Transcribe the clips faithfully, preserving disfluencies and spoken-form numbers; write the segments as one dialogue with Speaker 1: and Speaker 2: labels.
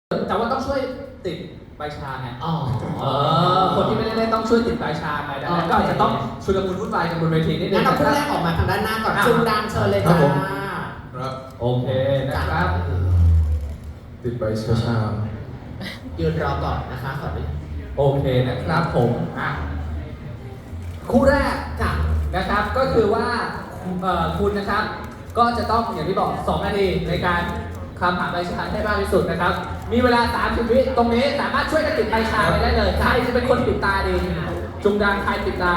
Speaker 1: แต่ว่าต้องช่วยติดใบชาไง
Speaker 2: อ๋อ
Speaker 1: เออคนที่ไม่ได้เล่นต้องช่วยติดใบชาไงดังนั้นก็อาจจะต้องชุลมุนวุ่นวายกันบนเวทีนิดนึ
Speaker 2: งั้
Speaker 1: ง
Speaker 2: นเรา
Speaker 1: นะค
Speaker 2: คู่
Speaker 1: รับ
Speaker 2: แรกออกมาทางด้านหน้าก่อน
Speaker 1: อ่ะ
Speaker 2: ชุมดังเชิญเลย
Speaker 3: ครั
Speaker 2: จ้า
Speaker 3: บผม ครับ
Speaker 1: โอเคนะครับ
Speaker 3: ติดใบชาชา
Speaker 2: ยืนรอก่อนนะคะขอดู
Speaker 1: โอเคนะครับผมอ่ะคู่แรก
Speaker 2: จ้ะ
Speaker 1: นะครับก็คือว่าเอ่อคุณนะครับ ก็จะต้องอย่างที่บอกสองนาทีในการคำหาใบชาให้มากที่สุดนะครับ มีเวลาสามสิบวิตรงนี้สามารถช่วยกันติดใบชาไปได้เลยใครจะเป็นคนปิดตาดีจุงดังใครปิดตา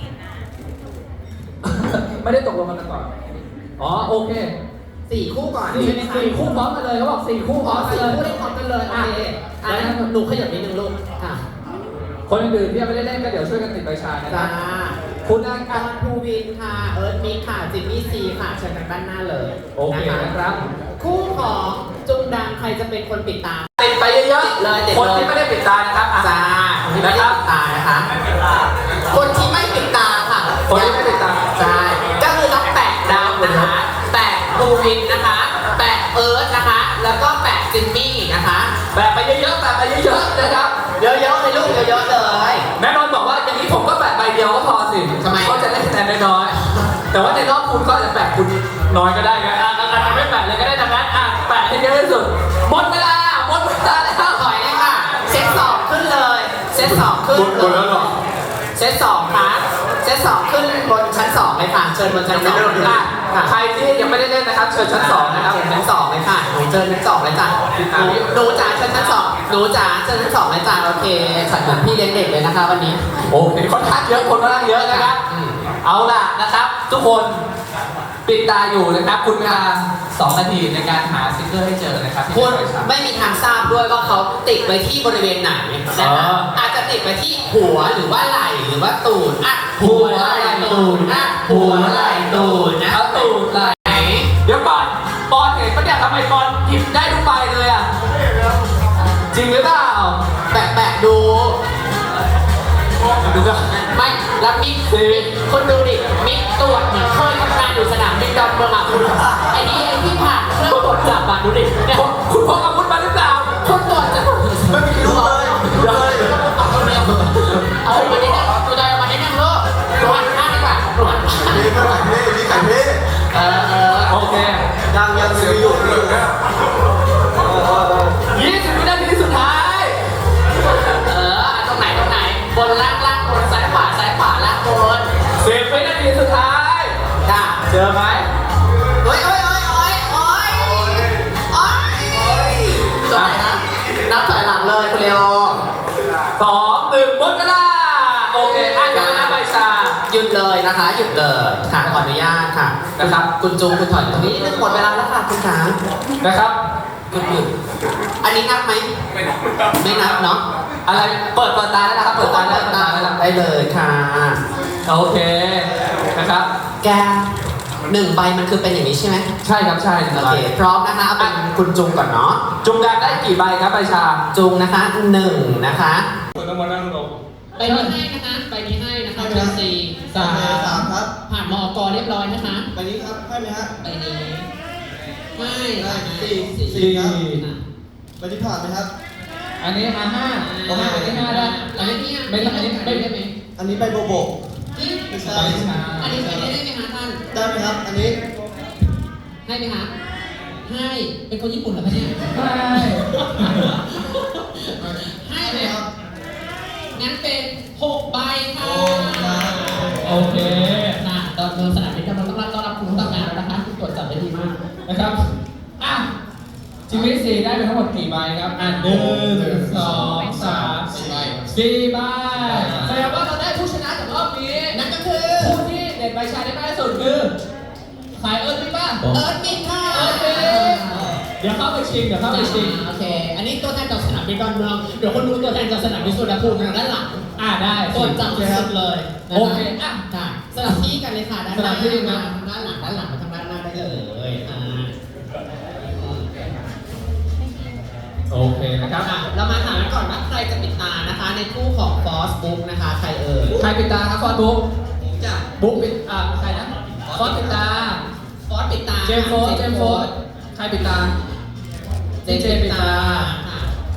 Speaker 1: ไม่ได้ตกลงกันมาก่อนอ๋อโอเค
Speaker 2: สี่คู่ก่อน
Speaker 1: สี่
Speaker 2: ใช่ไหมคะ
Speaker 1: สี่คู่พร้อมกันเลยเขาบอกสี่คู่พ
Speaker 2: อ๋
Speaker 1: ร้
Speaker 2: อ
Speaker 1: อมกัน
Speaker 2: สี่
Speaker 1: เลย
Speaker 2: คู่ได้พร้อมกันเลยโอเคอ่ะ
Speaker 1: แล้ว
Speaker 2: งั้นหนูขยับนิดนึงลูกอ่ะ
Speaker 1: คนอื่นๆที่ยังไม่ได้เล่นก็เดี๋ยวช่วยกันติดใบชานะค
Speaker 2: จ้า
Speaker 1: รับคุณนะค
Speaker 2: กา
Speaker 1: รับ
Speaker 2: รภูวินค่ะ เอิร์ธมิกค่ะ จิมมี่ซีค่ะ เชิญทางด้านหน้าเลย
Speaker 1: โอเคนะครับ
Speaker 2: คู่ของจุงดังใครจะเป็นคนปิดตา
Speaker 1: ติดไปเยอะ
Speaker 2: ติดเลยติดเลย
Speaker 1: คนที่ไม่ได้ปิดตานะครับอ่ะ
Speaker 2: จ้าคนที่ไม่ได้ปิดตานะคะ คนที่ไม่ปิดตาค่ะ
Speaker 1: คนที่ไม่ปิดตา
Speaker 2: ใช่ ก็คือต้องแปะดาวนะคะ แปะภูวินนะคะ แปะเอิร์ธนะคะ แล้วก็แปะจิมมี่นะคะ
Speaker 1: แบบไปเยอะๆแบบไปเยอะๆนะครับ
Speaker 2: เยอะๆเลยลูกเยอะๆเลย
Speaker 1: แม่นอนบอกว่าอย่างนี้ผมก็แปะใบเดียวก็พอสิ
Speaker 2: ทำไม
Speaker 1: เขาจะได้คะแนนน้อยๆแต่ว่าในรอบคุณก็อาจจะแปะคุณน้อยก็ได้ไงอ่ะอาจจะไม่แปะเลยก็ได้ดังนั้นอ่ะแปะให้เยอะที่สุดหมดเวลาหมดเวลาแล้ว
Speaker 2: ถอยเลยค่ะ เซตสองขึ้นเลย เซตสองขึ้น
Speaker 3: หมดหมดแล้วเหรอ
Speaker 2: เซตสองค่ะเซตสองขึ้นบนชั้นสองเลยค่ะ เชิญบนชั้นสอง
Speaker 3: ยังไม่เริ่มเลย
Speaker 2: ค่ะ
Speaker 1: อ่ะใครที่ยังไม่ได้เล่นนะครับเชิญชั้นสองนะครับ
Speaker 2: เชิญชั้นสองเลยค่ะหนูเชิญชั้นสองเลยจ้ะหนูหนูจ๋าเชิญชั้นสองหนูจ๋าเชิญชั้นสองเลยจ้ะโอเคฉันเหมือนพี่เลี้ยงเด็กเลยนะคะวันนี้
Speaker 1: โอเคค่อนข้างเยอะคนค่อนข้างเยอะนะครับ
Speaker 2: อืม
Speaker 1: เอาล่ะนะครับ ทุกคนปิดตาอยู่นะครับ คุณเวลาสองนาทีในการหาสติ๊กเกอร์ให้เจอนะครับที่
Speaker 2: คุณ
Speaker 1: เป็นใบชา
Speaker 2: ไม่มีทางทราบด้วยว่าเขาติดไว้ที่บริเวณไหนนะ
Speaker 1: อ๋
Speaker 2: คะ
Speaker 1: อ
Speaker 2: อาจจะติดไว้ที่หัวหรือว่าไหล่หรือว่าตูดอ่ะ
Speaker 1: หัวไหล่ตูด
Speaker 2: อ่ะหัวไหล่ตูดนะ
Speaker 1: เอาตูดไหล
Speaker 2: ไหน
Speaker 1: เดี๋ยวก่อนปอนเห็นปะเนี่ยทำไมปอนหยิบได้ทุกใบเลยอ่ะจริงหรือเปล่า
Speaker 2: แปะแปะดู
Speaker 1: ดูก่อน
Speaker 2: ไม่แล้วมิก
Speaker 1: สิ
Speaker 2: คนดูดิมิกตรวจเหมือนเคยทำงานอยู่สนามบินดอนเมืองอ่ะคุณไอ้นี่ไอ้ที่ผ่านเครื่องตรวจจับอ่ะดูดิเนี่ย
Speaker 1: คุณคุณพกอาวุธมาหรือเปล่า
Speaker 2: คนตรวจจะ
Speaker 3: ไม่มีรู้เลยเลย
Speaker 2: เอาคนเดียวเอามาได้นั่งตัวใจมาได้นั่งเลิกตรวจหน้าดีกว่าตรวจ
Speaker 3: มีเท่าไหร่พี่มีไข่พี่
Speaker 2: เออเออ
Speaker 1: โอเค
Speaker 3: ยังยังเสียอยู่เลยนะ
Speaker 1: ยี่สิบวินาทีสุดท้าย
Speaker 2: เออตรงไหนตรงไหนบนล่างล่างบนซ้ายขวาซ้ายขวาล่างบน
Speaker 1: สิบวินาทีสุดท้าย
Speaker 2: จ้า
Speaker 1: เจอไหม
Speaker 2: โอ้ยโอ้ยโอ้ยโอ้ยโอ้ยโอ้ยตรงไหนนะนับถอยหลังเลยคุณเลโอ
Speaker 1: สองหนึ่งหมดเวลาโอเคอ่ะเดี๋ยวนะใบชา
Speaker 2: หยุดเลยนะคะหยุดเลยค่ะขออนุญาตค่ะ
Speaker 1: นะครับ
Speaker 2: คุณจูคุณถอยตรงนี้หมดเวลาแล้วค่ะคุณขา
Speaker 1: นะครับ
Speaker 2: หยุดหยุดอันนี้นับไหมไม่นับเนาะ
Speaker 1: อะไรเปิดเปิดตาแล้วนะครับเปิดตาแล้วเปิดตาแล้ว
Speaker 2: ได้เลยค่ะ
Speaker 1: โอเคนะครับ
Speaker 2: แกหนึ่งใบมันคือเป็นอย่างนี้ใช่ไหม
Speaker 1: ใช่ครับใช่หนึ่ง
Speaker 2: โอ
Speaker 1: ใบ
Speaker 2: เคพร้อมนะคะเอาเป็นคุณจุงก่อนเนาะ
Speaker 1: จุงแดงได้กี่ใบครับใบชา
Speaker 2: จุงนะคะหนึ่งนะคะ
Speaker 3: คนต้องมานั่งลง
Speaker 2: ใบนี้ให้นะคะใบนี้ให้นะคะเป็นสี่สาม
Speaker 3: สามครับ
Speaker 2: ผ่านมอกเรียบร้อยนะคะ
Speaker 3: ใบนี้ครับให้ไหมฮะ
Speaker 2: ใบนี้ให้
Speaker 3: ได้สี่
Speaker 1: สี่
Speaker 3: สี่ครับใบที่ผ่านไหมครับ
Speaker 1: อันนี้อ่ะห้าห้าอันนี้ห้าได้
Speaker 2: อันนี้
Speaker 1: ไม่อันนี้ไม่ได้ไหม
Speaker 3: อันนี้ใบโบโบไม่ใช่
Speaker 1: ใบชา
Speaker 2: อันนี้อันนี้ได้ไหมคะท่าน
Speaker 3: ได้ไหมครับ อันนี้
Speaker 2: ให้ไหมคะ ให้ เป็นคนญี่ปุ่นเหรอคะเนี่ย
Speaker 1: ใช่
Speaker 2: ให้ไหมครับงั้นเป็นหกใบค่ะ
Speaker 1: โอเค
Speaker 2: นะดอนเมืองสนามบินกำลังต้องรับต้อนรับคุณตั้งงานแล้วนะคะคุณตรวจจับได้ดีมาก
Speaker 1: นะครับอ่ะชีวิตสี่ได้ไปทั้งหมดกี่ใบครับอ่ะหนึ่งสองสามสี่ใบแสดงว่าเราได้ผู้ชนะจากรอบนี้
Speaker 2: นั่นก็คือ
Speaker 1: ผู้ที่เด็ดใบชาได้มากที่สุดคือสายเอิร์ธมิกป่ะ
Speaker 2: เอิร์ธมิกค่ะ
Speaker 1: เอิร์ธมิกเดี๋ยวเข้าไปชิงเดี๋ยวเข้าไปชิง
Speaker 2: โอเค อันนี้ตัวแทนจากสนามบินดอนเมือง เดี๋ยวคนดูตัวแทนจากสนามบินสุวรรณภูมิทางด้านหลัง
Speaker 1: อ่าได้
Speaker 2: ตรวจจับสุดๆเลยนะ
Speaker 1: โอ
Speaker 2: คะ
Speaker 1: เคอ่ะ
Speaker 2: ค่ะสลับที่กันเลยค่ะด้านห
Speaker 1: สลั
Speaker 2: น้า
Speaker 1: บที่นะ
Speaker 2: ทางด้านหลังด้านหลังมาทางด้านหน้าได้เลยอ่า
Speaker 1: โอเคนะครับ
Speaker 2: อ่ะเรามาถามกันก่อนว่าใครจะปิดตานะคะ ในคู่ของฟอสบุ๊กนะคะ ใครเอ่ย
Speaker 1: ใครปิดตาครับฟอสบุ๊ก
Speaker 2: จะ
Speaker 1: บุ๊กปิดอ่าใครนะฟอสปิดตา
Speaker 2: ฟอสปิดตา
Speaker 1: เจมส์โฟร์เจมส์โฟร์ใครปิดตา
Speaker 2: เจมส์ปิดตาค่ะ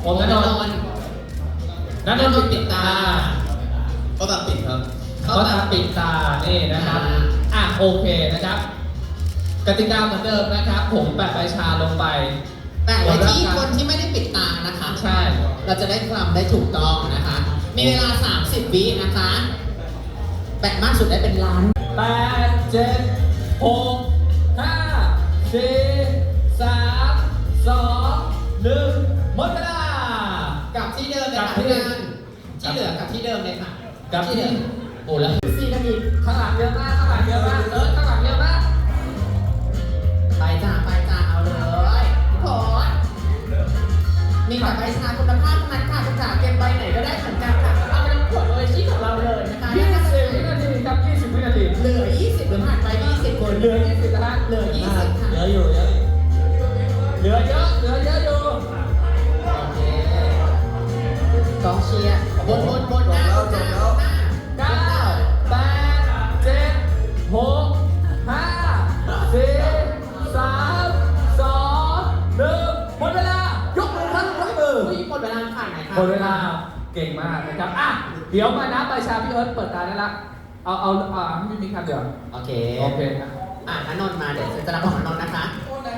Speaker 1: นันนนท์ปิดตา
Speaker 3: ก็ตัดติดครับ
Speaker 1: ก็ตาปิดตานี่นะครับอ่ะโอเคนะครับกติกาเหมือนเดิมนะครับ ผมแปะใบชาลงไป
Speaker 2: แต่ไว้ที่คนที่ไม่ได้ปิดตานะคะ
Speaker 1: ใช่
Speaker 2: เราจะได้คลำได้ถูกต้องนะคะ มีเวลา สามสิบ วินะคะแปะมากสุดได้เป็นล้าน
Speaker 1: แปดเจ็ดหกห้าสี่สามสองหนึ่งหมดเวลา
Speaker 2: กลับที่เดิมเลย
Speaker 1: กลั
Speaker 2: ค่ะ
Speaker 1: บที่
Speaker 2: พี่นันที่เหลือกลับที่เดิมเลยค่ะ
Speaker 1: กลับที่
Speaker 2: เดิมโอ้แล้วสี่นาที
Speaker 1: ข้างหลังเยอะมากข้างหลังเยอะมากเออข้างหลังเยอะมาก
Speaker 2: ไปจ้าไปจ้าเอาเลยทุกคนมีแบบใบชาคุณภาพทั้งนั้นค่ะคุณจ๋าเก็บใบไหนก็ได้เหมือนกันค่ะเอาไปขวดโออิชิของเราเลยนะคะ
Speaker 1: ยี่สิบวินาทีครับยี่สิบวินาที
Speaker 2: เหลือยี่สิบหรือผ่านไปยี่สิบคน
Speaker 1: เหลือยี่สิบนะฮะ
Speaker 2: เหลือยี่สิบค่ะ
Speaker 3: เยอะอยู่เยอะ
Speaker 1: เหลือเยอะเหลือเยอะอยู่
Speaker 2: โอเคกองเชียร์บนบนบนหน้าบนหน้าบนหน้า
Speaker 1: เก้าแปดเจ็ดหกห้าสี่สามสองหนึ่งหมดเวลายกมือครับยกมือ
Speaker 2: อุ้ยหมดเวลาผ่านไหนคะ
Speaker 1: หมดเวลาเก่งมากนะครับอ่ะเดี๋ยวมานับใบชาพี่เอิร์ธเปิดตาได้ละเอาเอาอ่าพี่มิ้งครับเดี๋ยว
Speaker 2: โอเค
Speaker 1: โอเคครับ
Speaker 2: อ่ะนันนนท์มาเดี๋ยวจะรับของนันนนท์นะคะ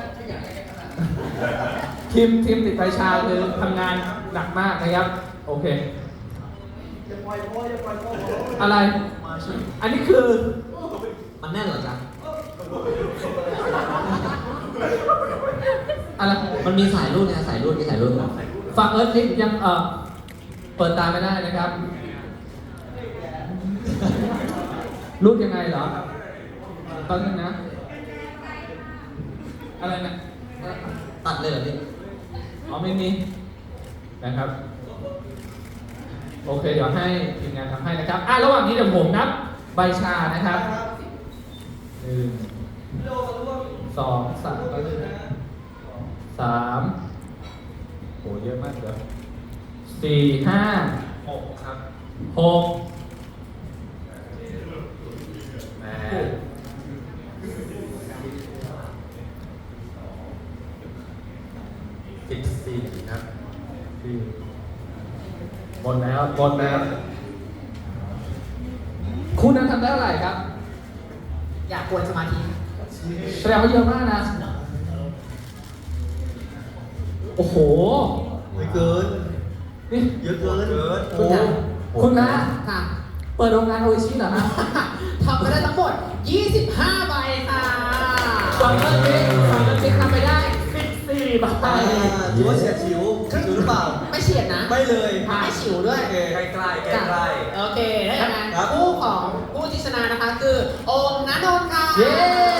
Speaker 1: ทีมทีมติดใบชาคือทำงานหนักมากนะครับโอเคอะไร อันนี้คือ
Speaker 2: มันแน่นเหรอจ๊ะ
Speaker 1: อะไร
Speaker 2: มันมีสายรุ่นนะสายรุ่นมีสายรุ่นเหรอ
Speaker 1: ฝั่งเอิร์ธนิกยังเออเปิดตาไม่ได้นะครับรูดยังไงเหรอตอนนึงนะ อะไรนะ
Speaker 2: ตัดเลยเหรอพี่
Speaker 1: อ๋อไม่มีนะครับ โอเค เดี๋ยวให้ทีมงานทำให้นะครับอ่ะระหว่างนี้เดี๋ยวผมนับใบชานะครับหนึ่งสองสามสามโหเยอะมากเลยสี่ห้าหกครับหกแปดสิบสี่ครับสี่หมดแล้วหมดแล้ว คุณนั้นทำได้เท่าไหร่ครับ
Speaker 2: อยากกวนสมาธิ
Speaker 1: แสดงว่าเยอะมากนะ โอ้โห
Speaker 3: ไม่เกิน
Speaker 1: นี่
Speaker 3: เยอะเกินเกิน
Speaker 1: โอ้โหคุณนะ
Speaker 2: ค่ะ
Speaker 1: เปิดโรงงานโออิชิเหรอฮะ
Speaker 2: ทำไปได้ทั้งหมดยี่สิบห้าใบค่ะ
Speaker 1: ฝั่งเอิร์ธนิกฝั่งเอิร์ธนิกทำไปได้สิบสี่ใบ
Speaker 3: อ่าถือว่าเฉียดฉิวฉิวหรือเปล่า
Speaker 2: ไม่เฉียดนะ
Speaker 3: ไม่เลย
Speaker 2: ไม่ฉิวด้วย
Speaker 3: โอเคใกล้ใกล้ใกล้
Speaker 2: จ้ะ
Speaker 3: ใกล้
Speaker 2: โอเคได้ยังไง
Speaker 3: ครับ
Speaker 2: คู่ของผู้ที่ชนะนะคะคือโอมณนนท์ค่ะ
Speaker 1: เย้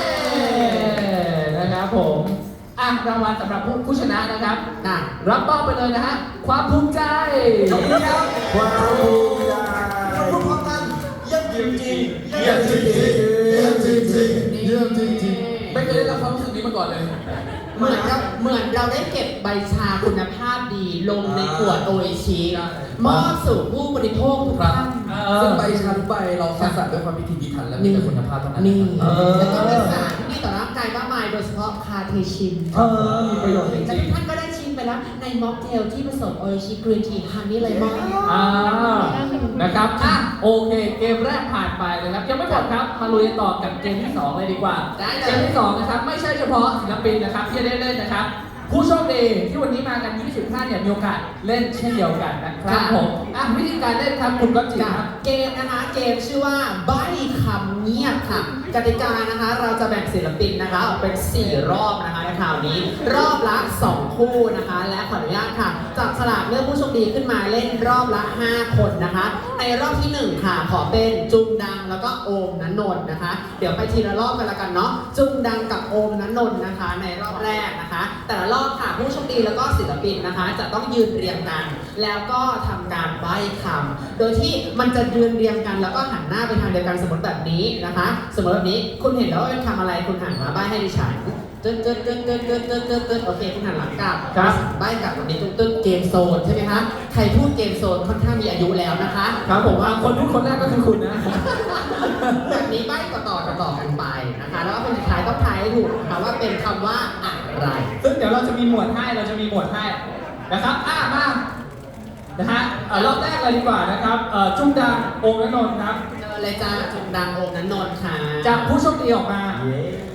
Speaker 1: นะครับผมอ่ะรางวัลสำหรับผู้ผู้ชนะนะครับ
Speaker 2: น่ะ
Speaker 1: รับมอบไปเลยนะฮะ ความภูมิใจ
Speaker 3: ขอบคุณครับความภูมิใจทุกคนกันเยี่ยมจริงๆเยี่ยมจริงๆเยี่ยมจริงๆเยี่ยมจริงๆ
Speaker 1: ไม่เคยได้รับความรู้สึกนี้มาก่อนเลย
Speaker 2: เหมือนเราเหมือนเราได้เก็บใบชาคุณภาพดีลงในขวดโออิชิมอบสู่ผู้บริโภคทุกท่าน
Speaker 4: ซึ่งใบชาทุกใบเราคัดสรรด้วยความพิถีพิถันและมีแต่คุณภาพเท่านั้น
Speaker 2: นี่
Speaker 1: เออ
Speaker 2: แล้วก็มีสารที่ดีต่อร่างกายมากมายโดยเฉพาะคาเทชิน
Speaker 1: เออ มีประโยชน์จ
Speaker 2: และ
Speaker 1: ริ
Speaker 2: ทุ
Speaker 1: ง
Speaker 2: กท่านก็ได้ชิมไปแล้วในม็อกเทลที่ผสมโออิชิกรีนทีฮันนี่เลมอน
Speaker 1: ๆอ่านะครับอ่ะโอเค เกมแรกผ่านไปนะครับ ยังไม่หมดครับ มาลุยต่อกับเกมที่สองเลยดีกว่า
Speaker 2: ได้เลย
Speaker 1: เกมที่สองนะครับ ไม่ใช่เฉพาะศิลปินนะครับที่จะได้เล่นนะครับ ผู้โชคดีที่วันนี้มากันยี่สิบท่านเนี่ยมีโอกาสเล่นเช่นเดียวกันนะครับผมอ่ะวิธีการเล่นครับคุณก็จีครับ
Speaker 2: เกมนะคะเกมชื่อว่าใบ้คำเงียบค่ะกติกานะคะเราจะแบ่งศิลปินนะคะออกเป็นสี่รอบนะคะในคราวนี้ รอบละสองคู่นะคะ และขออนุญาตค่ะจับฉลากเลือกผู้โชคดีขึ้นมาเล่นรอบละห้าคนนะคะ ในรอบที่หนึ่งค่ะขอเป็นจุงดังแล้วก็โอมนันนนท์นะคะ เดี๋ยวไปทีละรอบกันละกันเนาะจุงดังกับโอมนันนนท์นะคะ ในรอบแรกนะคะ แต่ละรอบค่ะผู้โชคดีแล้วก็ศิลปินนะคะ จะต้องยืนเรียงกัน แล้วก็ทำการใบ้คำโดยที่มันจะยืนเรียงกันแล้วก็หันหน้าไปทางเดียวกันสมมติแบบนี้นะคะ สมมติแบบนี้คุณเห็นแล้วว่าเป็นคำอะไรคุณหันมาใบ้ให้ดิฉันตึ๊ดตึ๊ดตึ๊ดตึ๊ดตึ๊ดตึ๊ดตึ๊ดตึ๊ดโอเคคุณหันหลังกลับ
Speaker 1: ครับ
Speaker 2: ใบ้กลับแบบนี้ตึ๊ดตึ๊ดเกมโซนใช่ไหมคะใครพูดเกมโซนค่อนข้างมีอายุแล้วนะคะ
Speaker 1: ครับผมอ่ะคนพูดคนแรกก็คือคุณนะ
Speaker 2: แบบนี้ใบ้ต่อต่อต่อต่อกันไปนะคะ แล้วก็คนสุดท้ายต้องทายให้ถูกนะคะว่าเป็นคำว่าอะไร
Speaker 1: ซึ่งเดี๋ยวเราจะมีหมวดให้ เราจะมีหมวดให้นะครับ อ่ะมา นะฮะเอ่อรอบแรกเลยดีกว่านะครับเอ่อจุ้งดังองค์นนท์ครับ
Speaker 2: เจอเลยจ้าจุงดังโอมนันนนท์ค่ะ
Speaker 1: จับผู้โชคดีออกมา
Speaker 3: เย้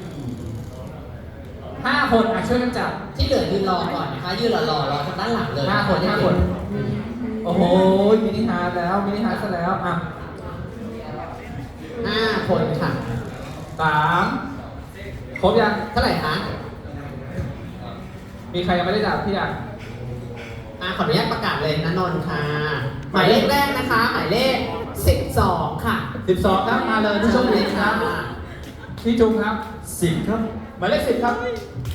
Speaker 1: ห้าคนอ่ะช่วยกันจับ
Speaker 2: ที่เหลือยืนรอก่อนนะคะยืนรอรอรอทางด้านหลังเลย
Speaker 1: ห้าคนห้าคน โอ้โหมินิฮาร์ทแล้วมินิฮาร์ทซะแล้วอ่ะ
Speaker 2: ห้าคนค่ะ
Speaker 1: สามครบยัง
Speaker 2: เท่าไหร่คะ
Speaker 1: มีใครยังไม่ได้จับพี่อ่ะ
Speaker 2: อ่าขออนุญาตประกาศเลยนันนนท์ค่ะ หมายเลขแรกนะคะ หมายเลขสิบสองค่ะ
Speaker 1: สิบสองครับมาเลยผู้โชคดีครับพี่จุงครับ
Speaker 3: สิบครับ
Speaker 1: หมายเลขสิบครับ